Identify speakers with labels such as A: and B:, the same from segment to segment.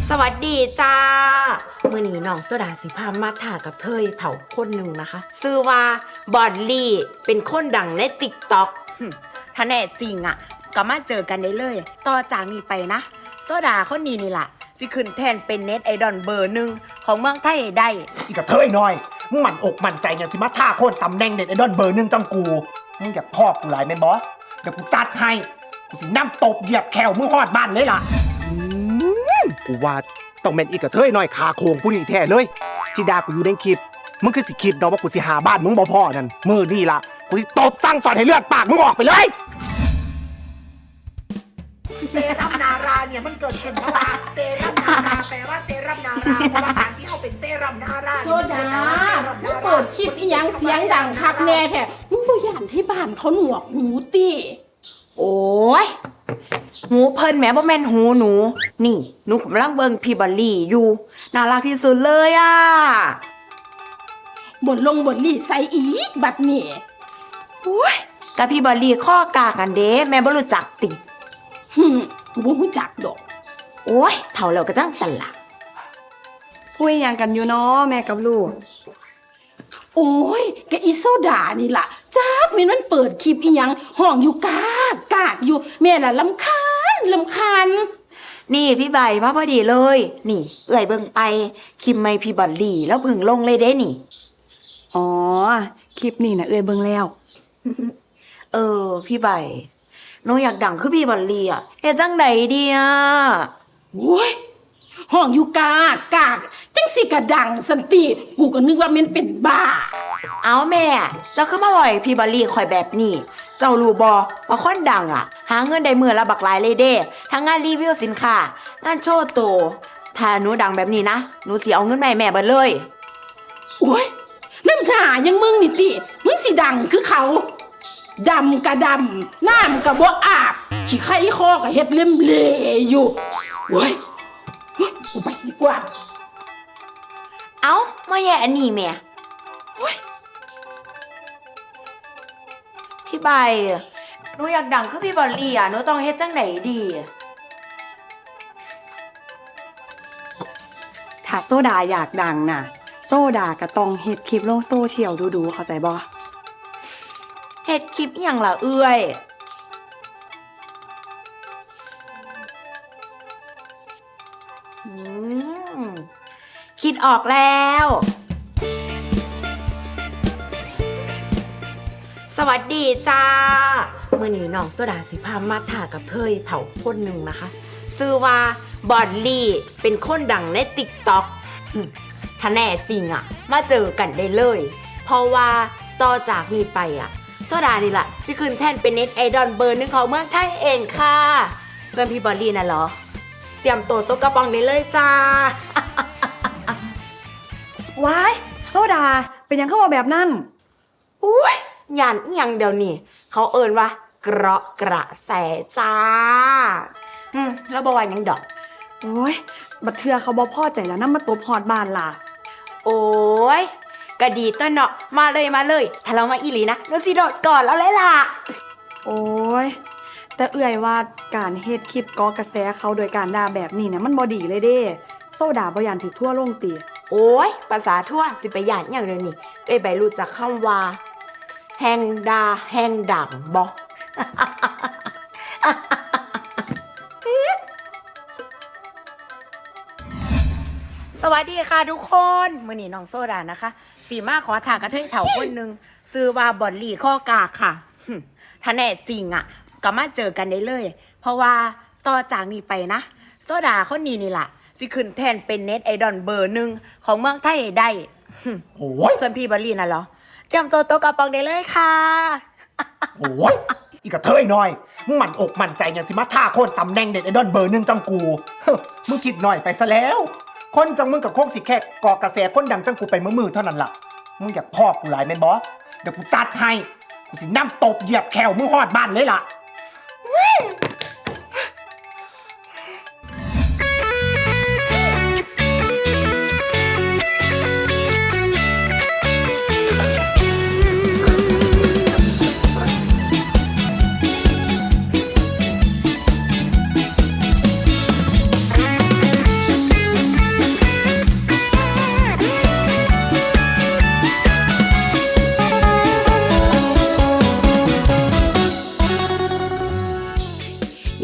A: สวัสดีจ้ามื้อนี้น้องโซดาสิพามาถ่ากับเธอเถ่าคนหนึ่งนะคะชื่อว่าบอดลี่เป็นคนดังใน TikTok
B: ถ้าแน่จริงอ่ะก็มาเจอกันได้เลยต่อจากนี้ไปนะโซดาคนนี้นี่ล่ะสิขึ้นแทนเป็นเน็ตไอดอลเบอร์หนึ่งของเมืองไทยได้
C: อีกับเธอน้อยมึงหมั่นอกหมั่นใจอย่างสิมาท่าโค่นตำแหน่งเน็ตไอดอลเบอร์หนึ่งจังกูมึงอยากพ่อกูหลายแม่นบอสเดี๋ยวกูจัดให้กูสิน้ำตบเหยียบแขวมึงหอดบ้านเลยล่ะกูว่าต้องเป็นอีกับเธอน้อยขาโคงผู้นี้แท้เลยที่ดากูอยู่ในคลิปมึงคือสิคิดเนาะว่ากูสิหาบ้านมึงบ่พ่อนั่นมือนี่ล่ะกูสิตบสั่งสอนให้เลือดปากมึงออกไปเลยเซรั่มนาราเนี่ยมันเกิดขึ้นเพราะว่าเซรั่มนาราแปลว่าเซรั่มนาราเพราะว่าการที่เอาเป็นเซรั่มนารา
D: โซดามึงเปิดคลิปอีหยังเสียงดังคักแน่แท้มึงบ่ย่านที่บ้านเขาหนวกหูติ
A: โอ้ยหูเพิ่นแหมบ่แม่นหูหนูนี่หนูกำลังเบิ่งพี่บอลลี่อยู่น่ารักที่สุดเลยอ่ะ
D: บทลี่ใส่อีกแบบนี้
A: โอ้ยกับพี่บอลลี่ข้อกากันเด้แม่บ่รู้จักติ
D: กูบ่รู้จักดอก
A: โอ้ยเฒ่าแล้วก็จังสั่นล่ะ
E: คุยหยังกันอยู่เนาะแม่กับลูก
D: โอ้ยแกอีโซดานี่ล่ะจักแม่นมันเปิดคลิปอีหยังห้องอยู่กากอยู่แม่น่ะรำคาญ
A: นี่พี่ใบมาพอดีเลยนี่เอื้อยเบิ่งไปคลิปใหม่พี่บอลลี่แล้วเพิ่งลงเลยเด้นี่
E: อ๋อคลิปนี้น่ะเอ้ยเบิ่งแล้ว
A: พี่ใบหนูอยากดังคือพี่บอลลี่อ่ะเฮ็ดจังไดดีอ่ะ
D: โอ้ยห้องอยู่กากจังสิกระดังสันติกูก็นึกว่าแม่นเป็นบ้า
A: เอาแม่เจ้าคือมาบ่อยพี่บอลลี่ข่อยแบบนี้เจ้ารู้บ่ว่าคนดังอ่ะหาเงินได้มื้อละบักหลายเลยเด้ทั้งงานรีวิวสินค้างานโชว์ตัวถ้าหนูดังแบบนี้นะหนูสิเอาเงินมาให้แม่เบิดเลย
D: โอ้ยน้ำหายังมึงนี่ติมึงสิดังคือเขาดำกะดำน้ำกะบ่อาบขี้ไข้คอกะเฮ็ดเล่มเลอยู่โอ้ยกูไปดีกว่า
A: เอามาแย่อันนี้แม่พี่ใบหนูอยากดังคือพี่บอลลี่อ่ะหนูต้องเฮ็ดจังไหนดี
E: ถ้าโซดาอยากดังน่ะโซดาก็ต้องเฮ็ดคลิปลงโซเชียลดูเข้าใจบ่
A: เฮ็ดคลิปอหยังล่ะเอื้อยคิดออกแล้วสวัสดีจ้ามื้อนี้น้องโซดาสิพามาถ่ากับเธอเถ่าคนหนึ่งนะคะชื่อว่าบอดลี่เป็นคนดังใน TikTok ถ้าแน่จริงอ่ะมาเจอกันได้เลยเพราะว่าต่อจากนี้ไปอ่ะโซดานี่แหละที่ขึ้นแท่นเป็นเน็ตไอดอลเบอร์หนึ่งของเมืองไทยเองค่ะเพื่อนพี่บอลลี่น่ะเหรอเตรียมตัวกระป๋องได้เลยจ้า
E: ว้ายโซดาเป็นยังเข้ามาแบบนั้น
A: อุ้ยยันอีหยังเดี๋ยวนี้เขาเอิ้นว่าเกราะกระแสจ้าแล้วบ่ว่าหยังดอก
E: โอ้ยบัดเทื่อเขาบ่พอใจแล้วนำมาตบฮอดบ้านล่ะ
A: โอ้ยก็ดีต้นเนาะมาเลยถ้าเรามาอีหลีนะหนูสิโดดก่อนแล้วเลยล่ะ
E: โอ้ยแต่เอื่อยว่าการเฮ็ดคลิปก่อกระแสเขาโดยการด่าแบบนี้เนี่ยมันบ่ดีเลยเด้โซดาบ่ย่านถูกทั่วลงติ
A: โอ้ยภาษาทั่วสิไปย่านหยังเดี๋ยวนี้ใบรู้จักคำว่าแฮงดาแฮงดังบ่ สวัสดีค่ะทุกคนมื้อนี้น้องโซดานะคะสีมาขอถามกระเทยเฒ่าคนนึงชื่อว่าบอลลี่ข้อกากค่ะถ้าแน่จริงอ่ะก็มาเจอกันได้เลยเพราะว่าต่อจากนี้ไปนะโซดาคนนี้นี่ล่ะสิขึ้นแทนเป็นเน็ตไอดอลเบอร์หนึ่งของเมืองไทยได้
C: โอ้ย
A: ส่วนพี่บอลลี่น่ะเหรอเตรียมตัวกระป๋องได้เลยค่ะ
C: โอ้ยอีกับเธอน้อยมึงหมั่นอกหมั่นใจอย่างสิมาท่าโค่นตำแหน่งเน็ตไอดอลเบอร์หนึ่งจังกูมึงคิดหน่อยไปซะแล้วคนจังมึงกับโคกสิแค่ก่อกระแสคนดังจังกูไปมือเท่านั้นล่ะมึงอยากพ่อกูหลายแม่นบอสเดี๋ยวกูจัดให้กูสิน้ำตบเหยียบแขวมึงหอดบ้านเลยล่ะ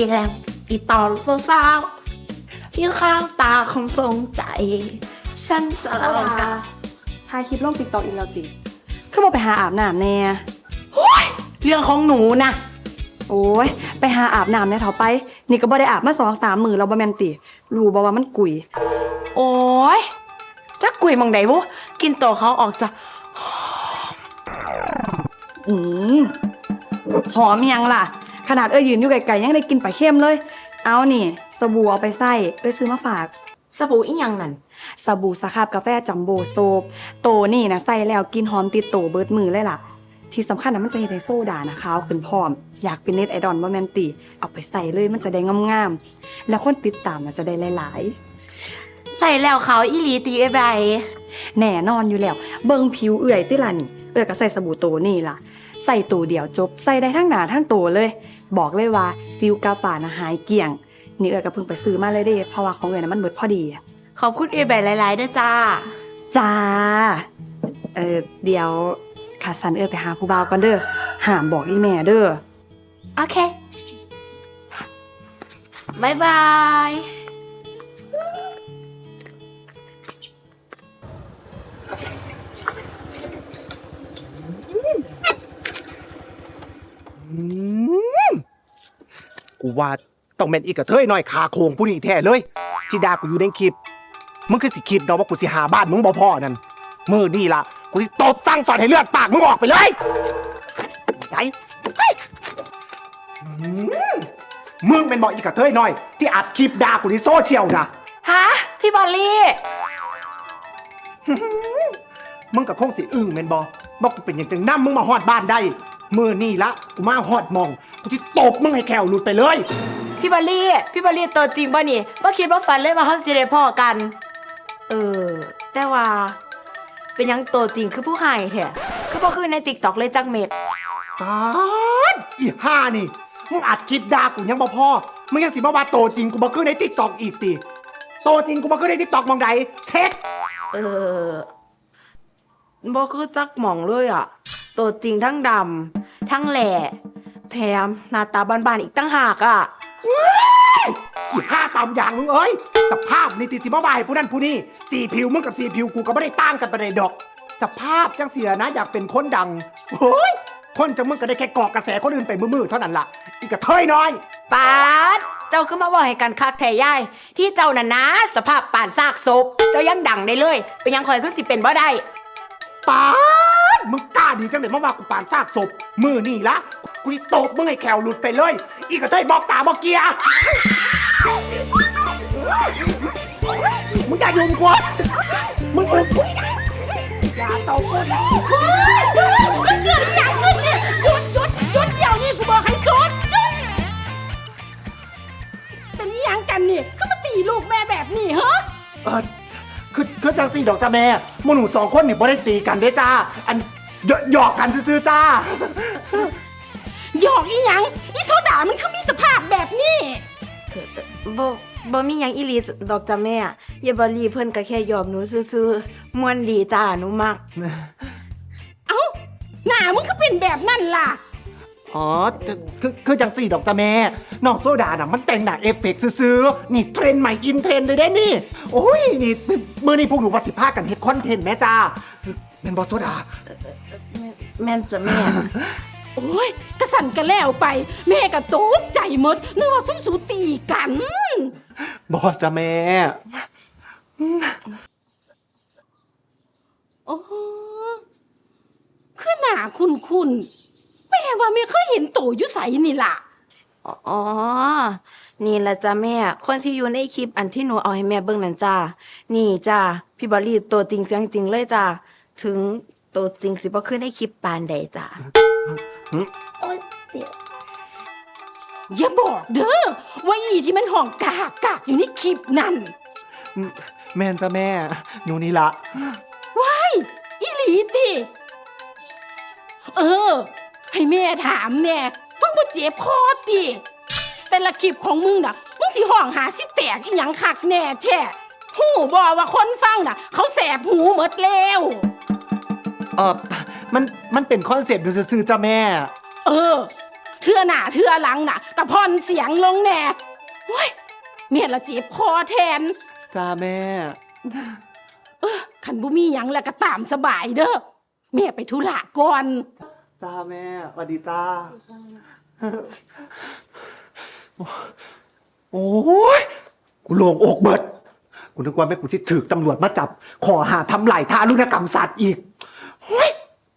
A: แล้วอีตอนสาวๆพี่ข้างตาคงทรงใจ ฉันจะ
E: โซ
A: เล่า
E: ดาถ่ายคลิปลง TikTok อีกแล้วติคือบ่ไปหาอาบน้ำแน่
A: เรื่องของหนูนะ
E: โอ้ยไปหาอาบน้ำแน่เถาไป นี่ก็บ่ได้อาบมา2-3 มื้อแล้วบ่แม่นติรู้บ่ว่ามันกุย
A: โอ้ยจักกุยหมองใดบุกินโตเขาออกจาก
E: อืมหอมยังล่ะ ขนาดยืนอยู่ไกลๆยังได้กินปลาเค็มเลย เอานี่สบู่เอาไปใส่ซื้อมาฝาก
A: สบู่อีหยังนั่น
E: สบู่สครับกาแฟจัมโบ้โซฟโตนี่นะใส่แล้วกินหอมติดโตเบิดมือเลยล่ะ ที่สำคัญนะมันจะเฮ็ดให้โซดานะขาวขึ้นพร้อม อยากเป็นเน็ตไอดอลบ่แม่นติเอาไปใส่เลยมันจะได้งามๆแล้วคนติดตามน่ะจะได้หลาย
A: ใส่แล้วเขาอีหลีตีไอ้ใบ
E: ๆแน่นอนอยู่แล้ว เบิ่งผิวเอื่อยติล่ะนี่ก็ใส่สบู่โตนี่ล่ะ ใส่ตัวเดียวจบใส่ได้ทั้งหน้าทั้งตัวเลย บอกเลยว่าซิวกาฝานะหายเกลี้ยงนี่ก็เพิ่งไปซื้อมาเลยเด้เพราะว่าของน่ะมันเบิดพอดี
A: ขอบคุณไอ้ใบหลายๆด้วยจ้า
E: จ้าเดี๋ยวข้าสันไปหาผู้บ่าวก่อนเด้อห้ามบอกอีแม่เด้อ
A: โอเคบายบาย
C: กูว่าต้องเป็นอีกกระเทยหน่อยขาโคงผู้นี้แท้เลยที่ด่ากูอยู่ในคลิปมึงคือสิคิดเนาะว่ากูสิหาบ้านมึงบ่พอนั่นมือนี่ล่ะกูสิตบสั่งสอนให้เลือดปากมึงออกไปเลยไอ้มึงเป็นบอกอีกกระเทยหน่อยที่อัดคลิปด่ากูในโซเชียลนะ
A: ฮะ พี่บอลลี่
C: มึงกับคงสิอึ้งแม่นบ่บอกกูเป็นอย่างจังน้ำมึงมาฮอดบ้านได้มือนี่ละกูมาฮอดมองกูสิตบมึงให้แขวหลุดไปเลย
A: พี่บอลลี่ตัวจริงป่ะนี่บ่คิดว่าฝันเลยว่าเขาจะได้พ่อกัน แต่ว่า เป็นหยังตัวจริงคือผู้ให้แท้คือบ่คือใน TikTok เลยจักเม็ด
C: ตายอีห่านี่มึงอัดคลิปด่ากูยังบ่พอมึงยังสิมาว่าโตจริงกูบ่คือใน TikTok อีกติโตจริงกูบ่คือใน TikTok มองใดเช็ค
A: บ่คือจักหม่องเลยอ่ะ ตัวจริงทั้งดำทั้งแหล่แถมหน้าตาบานๆอีกตั้งหากอ่ะ
C: อีห่าตามอย่างมึงเอ้ยสภาพนี่ติสิมาว่าให้ผู้นั้นผู้นี้สีผิวมึงกับสีผิวกูก็บ่ได้ต่างกันปานใดดอก สภาพจังเสียนะอยากเป็นคนดังโอ้ยคนจังมึงก็ได้แค่เกาะกระแสคนอื่นไปมือๆเท่านั้นล่ะอีกกระเทยน้อย
A: ปาดเจ้าขึ้นมาบอกให้กันคักแท้ยายที่เจ้าน่ะนะสภาพป่านซากศพเจ้ายังดังได้เลย เป็นยังคอยขึ้นสิเป็นบ่ได้
C: ปาดมึงกล้าดีจังเลยมาว่ากูปานซากศพมือนี่ละกูสิตบมึงให้แขวหลุดไปเลย อีกกระเทยบอกตาบอกเกียร์มึงอย่ายุ่งกูมึงยุ่งกูอย่าตบกูนะ
D: มันเกิดอหย่างขึ้นเนี่ยหยุดเดี๋ยวนี้กูบอกให้สุดหยุดเป็นอหย่างกันนี่คือมาตีลูกแม่แบบนี้เหรอ
C: คือจังสี่ดอกจ้าแม่หมู่หนูสองคนนี่บ่ได้ตีกันเด้จ้าอันหยอกกันซื่อๆจ้า
D: หยอกอีหยังอีโซดามันคือมีสภาพแบบนี้
A: บ่มีหยังอีหลีดอกจ้ะแม่อย่าบ่รีเพิ่นก็แค่ยอมหนูซื่อๆม่วนดีจ้าหนูมัก
D: เอ้าหน้ามึงก็เป็นแบบนั่นล่ะ
C: อ๋อคือจังสี่ดอกจ้าแม่น้องโซดาน่ะมันแต่งหน้าเอฟเฟกต์ซื่อๆนี่เทรนด์ใหม่อินเทรนด์เลยเด้นี่โอ้ยนี่มื้อนี้พวกหนูว่าสิพากันเฮ็ดคอนเทนต์แม่จ้าแม่นบ่โซดา
A: แม่นจ้ะแม่
D: โอ้ยกระสันกระแล้วไป แม่ก็ตกใจหมดนึกว่าซุ่มสูตีกัน
C: บ่จ้าแม่
D: โอ้คือหน้าคุณแม่ว่าไม่เคยเห็นโตอยู่ใสนี่ล่ะ
A: อ๋อ นี่แหละจ้ะแม่ คนที่อยู่ในคลิปอันที่หนูเอาให้แม่เบิ่งนั่นจ้า นี่จ้าพี่บอลลี่ตัวจริงเสียงจริงเลยจ้า ถึงตัวจริงสิบ่ขึ้นในคลิปปานใดจ้า
D: อย่าบอกเด้อว่าอีที่มันห้องกากอยู่ในคลิปนั่น
C: แม่นจ้าแม่หนูนี่ละ
D: ว้ายอีหลีติให้แม่ถามแน่มึงบ่เจ็บคอติแต่ละคลิปของมึงน่ะมึงสิห้องหาสิแตกอีหยังคักแน่แท้หูบ่ว่าคนฟังน่ะ เขาแสบหูหมดแล้ว
C: มันเป็นคอนเซ็ปต์ดูซื่อๆจ้าแม่
D: เทื่อหน้าเทื่อหลังน่ะกะพอนเสียงลงแน่โอ้ยแม่ละเจ็บคอแทน
C: จ้าแม่
D: คันบ่มีหยังแล้วก็ตามสบายเด้อแม่ไปธุระก่อน
C: จ้าแม่สวัสดีจ้า โอ้ยกูโล่งอกเบิด กูนึกว่าแม่กูสิถูกตำรวจมาจับ ขอหาทำไหลทารุณกรรมสัตว์อีก โอ้ย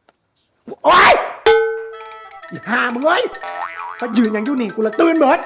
C: อีกหามึงเอ้ยถ้ายืนอย่างอยู่นี่กูละตื่นเบิด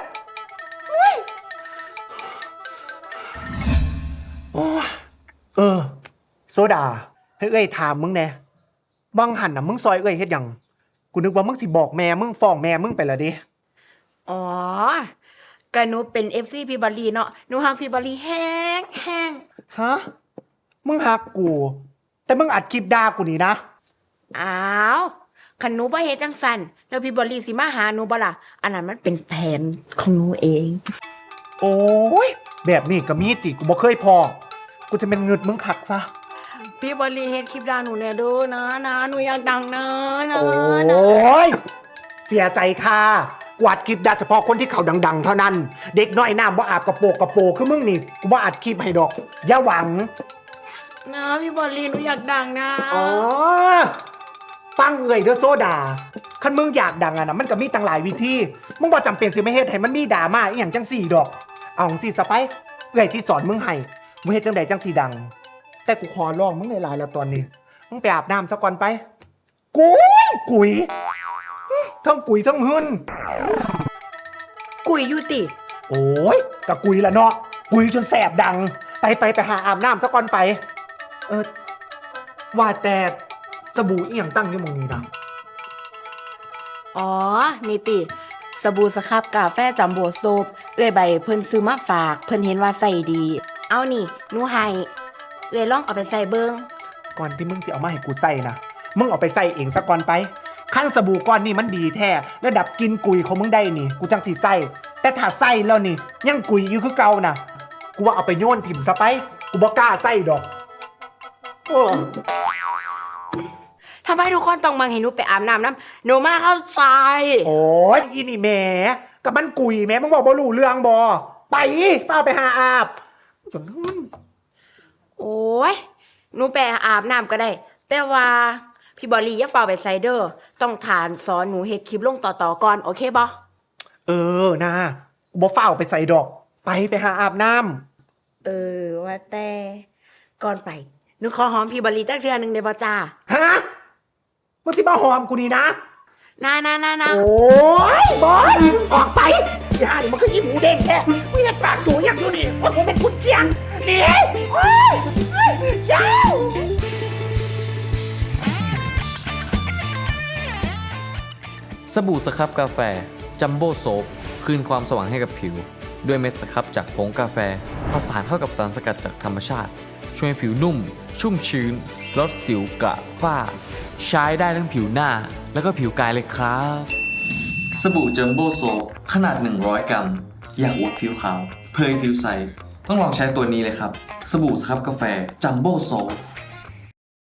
C: โอ้ยโซดาให้เอ้ยถามมึงแน่บังหันน่ะมึงซอยเอ้ยเฮ็ดหยังกูนึกว่ามึงสิบอกแม่มึงฟ้องแม่มึงไปและเด้
A: อ๋อกะหนูเป็น FC พี่บอลลีเนาะหนูฮักพี่บอลลีแห้งแห้ง
C: ฮะ มึงหักกู แต่มึงอัดคลิปด่ากูนี่นะ
A: อ้าวคันหนูบ่เฮ็ดจังซั่นแล้วพี่บอลลีสิมาหาหนูบ่ล่ะอันนั้นมันเป็นแผนของหนูเอง
C: โอ้ย แบบนี้ก็มีติกูบ่เคยพอ กูจะเป็นเงิดมึงขักซะ
A: พี่บอลลีเฮ็ดคลิปด่าหนูแน่เด้อนะหนูอยากดังนะ
C: โอ้ย เสียใจค่ะกวาดคลิปด่าเฉพาะคนที่เขาดังๆ เท่านั้น เด็กน้อยน้ำบ่อาบกระโปคือมึงนี่ กูบ่อัดคลิปให้ดอก อย่าหวัง
A: นะพี่บอลลีหนูอยากดังนะ
C: อ๋อ ฟังเอ่ยเด้อโซดาคันมึงอยากดังอะนะมันก็มีตั้งหลายวิธี มึงบ่จำเป็นสิไม่เฮ็ดให้มันมีดราม่าอีหยังจังสี่ดอก เอาจังสี่ซะไปเอ่ยสิสอนมึงให้มึงเฮ็ดจังใดจังสี่ดัง แต่กูขอร้องมึงในหลายแล้วตอนนี้ มึงไปอาบน้ำซะก่อนไป กุยทั้งกุยทั้งหึน
A: กุยอยู่ติ
C: โอ้ยกะกุยละเนาะ กุยจนแสบดัง ไปหาอาบน้ำซะก่อนไป ว่าแต่สบู่อีหยังตั้งอยู่หมองนี้นะ
A: อ๋อนี่ติสบู่สครับกาแฟจัมโบ้โซบเอ้ยใบเพิ่นซื้อมาฝากเพิ่นเห็นว่าใส่ดี เอานี่หนูให้เอ้ยลองเอาไปใส่เบิ่ง
C: ก่อนที่มึงจะเอามาให้กูใส่นะมึงเอาไปใส่เองซะก่อนไปขั้นสบู่ก้อนนี่มันดีแท้ระดับกินกุยของมึงได้นี่ กูจังสิใส่แต่ถ้าใส่แล้วนี่ยังกุยอยู่คือเก่านะกูว่าเอาไปโยนถิ่มซะไป กูบ่กล้าใส่ดอกโอ้
A: ทำไมทุกคนต้องมาให้หนูไปอาบน้ำน้ำหนูมาเข้าใจ
C: โอ้ยอีนี่แหมกับมันกุยแหมมึงบอกบ่รู้เรื่องบ่ไปเฝ้าไปหาอาบจนนู้น
A: โอ้ยหนูไปอาบน้ำก็ได้ แต่ว่าพี่บอลลี่อย่าฝ่าไปไซเดอร์ต้องฐานสอนหนูเฮ็ดคลิปลงต่อก่อนโอเคบ่
C: นะกูบ่เฝ้าไปใส่ดอก ไปหาอาบน้
A: ว่าแต่ก่อนไปหนูขอหอมพี่บอลลี่จักเทื่อนึงได้บ่จ้า
C: ำฮะมึงที่มาหอมกูนี่นะ
A: นะ
C: โอ้ยบอสออกไปอย่าดิมันก็ยิ้มหมูเด้งแค่ไม่อยากปากดูอย่างอยู่นี่ว่าผมเป็นคุณเชียงหนี่โอ้ยยาว
F: สบู่สครับกาแฟจัมโบ้โซฟคืนความสว่างให้กับผิว ด้วยเม็ดสครับจากผงกาแฟผสานเข้ากับสารสกัดจากธรรมชาติ ช่วยให้ผิวนุ่ม ชุ่มชื้น ลดสิวกระฝ้า ใช้ได้ทั้งผิวหน้า แล้วก็ผิวกายเลยครับ สบู่จัมโบ้โซฟขนาด 100 กรัม อยากอวดผิวขาว เผยผิวใส ต้องลองใช้ตัวนี้เลยครับ สบู่สครับกาแฟจัมโบ้โซฟ